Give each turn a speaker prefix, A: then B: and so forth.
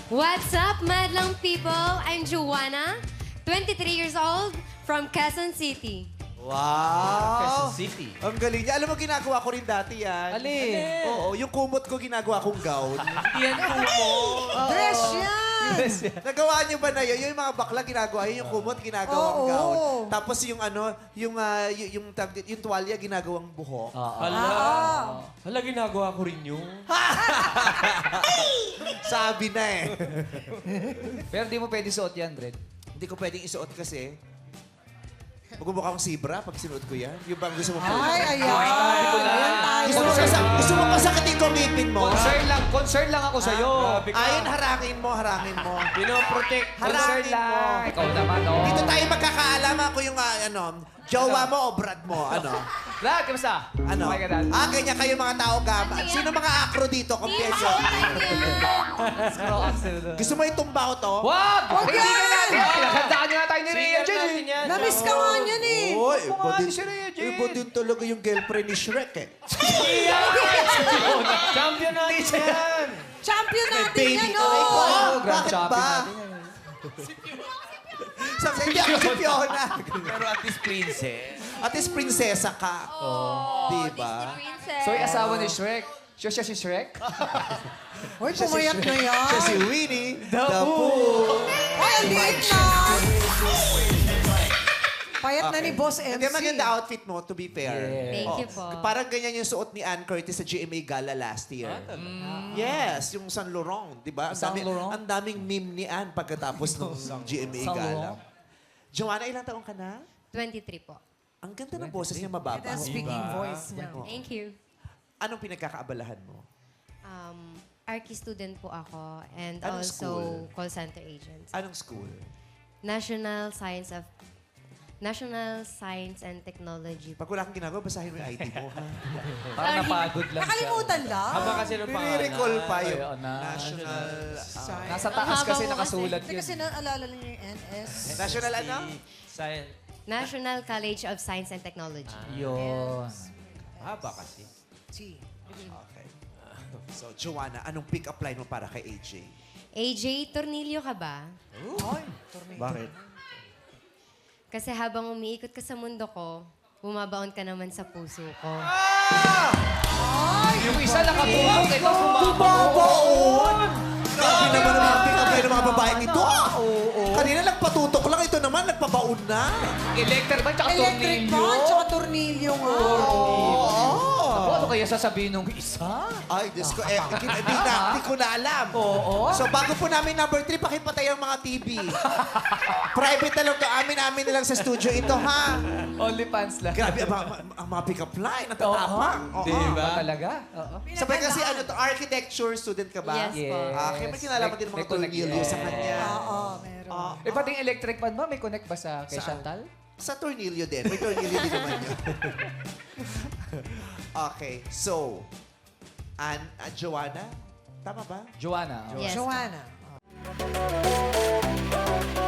A: What's up, madlang people? I'm Joanna, 23 years old, from Quezon City.
B: Wow!
C: Quezon City.
B: Ang galing niya. Alam mo, ginagawa ko rin dati yan.
C: Alin?
B: Oo, yung kumot ko ginagawa kong gown.
C: Yan kumot.
D: Dress yan!
B: Nagawa niyo ba na yun? Yung mga bakla ginagawa yun, yung kumot ginagawang
D: Oo.
B: gown. Tapos yung ano, yung tuwalya ginagawang buhok.
C: Hala. Hala, ginagawa ko rin yun.
B: Sabi na eh.
E: Pero di mo pwede suot yan, Dred.
B: Hindi ko pwedeng isuot kasi. Magmumukha akong zebra pag sinuot ko yan. Yung bang gusto mo po.
D: Ay, ayan. Ayan tayo.
B: Gusto mo pasakitin ko ngipin mo?
E: Concern lang ako sa'yo.
B: Ayun, harangin mo.
C: Pinoprotect.
B: Harangin mo.
E: Ikaw naman, oh.
B: Dito tayo magkakaalaman kung yung jowa mo o brad mo.
E: Brad, kamusta?
B: Ano?
E: Okay ka dad?
B: Ganyan kayo mga tao gama. Sino mga acro dito? Kumpiyenso.
E: Scroll axle doon.
B: Gusto mo itumba ko to?
E: Wag!
D: Wag
E: Kaibigan
D: yan!
E: natin! Pinaghandaan niyo na tayo ni Rhea
C: Singer
E: dyan,
C: natin
E: eh.
C: yan.
D: Namiss ka nga niyan eh.
B: Oy, iba din,
E: si Rhea Jane.
B: iba din talaga yung girlfriend ni Shrek eh.
C: Champion natin yan.
D: Champion natin yan,
B: Aray ko,
D: oh!
E: Grand
B: bakit
E: champion
B: ba?
E: natin yan.
B: Sabi hindi ako si Fiona.
C: Pero at least princess.
B: At least prinsesa ka. Diba?
E: So, yung asawa ni Shrek. Siya si Shrek?
D: Uy, pumayat na yan.
B: Siya si Winnie the Pooh.
D: Ay, ang liit na. Payat na ni Boss MC.
B: Hindi, maganda outfit mo, to be fair.
A: Thank
B: Oo.
A: you po.
B: Parang ganyan yung suot ni Ann Curtis sa GMA Gala last year. Yes, yung Saint Laurent, di ba? Ang
E: Saint
B: dami-
E: Laurent?
B: Ang daming meme ni Ann pagkatapos ng GMA
E: Saint
B: Gala.
E: Laurent?
B: Joanna, ilang taong ka na?
A: 23 po.
B: Ang ganda ng boses niya, mababa.
D: That's speaking voice niya.
A: Thank you.
B: Anong pinagkakaabalahan mo?
A: Archi student po ako and
B: Anong
A: also
B: school?
A: call center agent.
B: Anong school?
A: National Science and Technology.
B: Pag wala kang ginagawa, basahin mo yung ID mo, ha?
E: Parang napagod lang siya.
D: Nakalimutan lang.
C: Haba kasi ng pangalan.
B: Nire-recall pa yung
E: Ayun na.
B: National...
E: Nasa taas kasi
A: Ang haba mo
E: nakasulat
D: Hindi
E: yun.
D: kasi naalala lang yung NS.
B: National ano?
C: Science.
A: National College of Science and Technology.
E: Yun.
C: Haba kasi.
B: Okay. So, Joanna, anong pick-up line mo para kay AJ?
A: AJ, tornilyo ka ba?
D: Ay, tornado.
B: Bakit?
A: Kasi habang umiikot ka sa mundo ko, bumabaon ka naman sa puso ko.
E: Yung isa nakabulong, ito bumabaon.
B: Babaon! Grabe naman ang mga pick-up line ng mga babaeng ito. Kanina nagpatutok lang, ito naman nagpabaon na.
E: Electric ba? Tsaka
D: Electric
E: tornilyo?
D: fan, tsaka tornilyo nga.
E: Ano kaya sasabihin nung isa?
B: Ay, Diyos ko, hindi ko na alam.
E: Oo.
B: So, bago po namin number 3, pakipatay ang mga TV. Private na lang to. Amin na lang sa studio ito, ha?
E: Only pants lang.
B: Grabe, ang mga pick-up line, natatapang. Oo.
E: Diba? Talaga? Oo.
B: Sabay kasi architecture student ka ba?
A: Yes po.
B: Kaya may kinalaman din mga
E: May connect-
B: tornilyo sa kanya.
D: Oo, meron.
E: Eh, pati yung electric fan ba? May connect ba sa kay
B: Saan?
E: Chantal?
B: Sa tornilyo din. May tornilyo din naman yun. Okay, so, Joanna, tama ba?
E: Joanna.
A: Yes.
D: Joanna.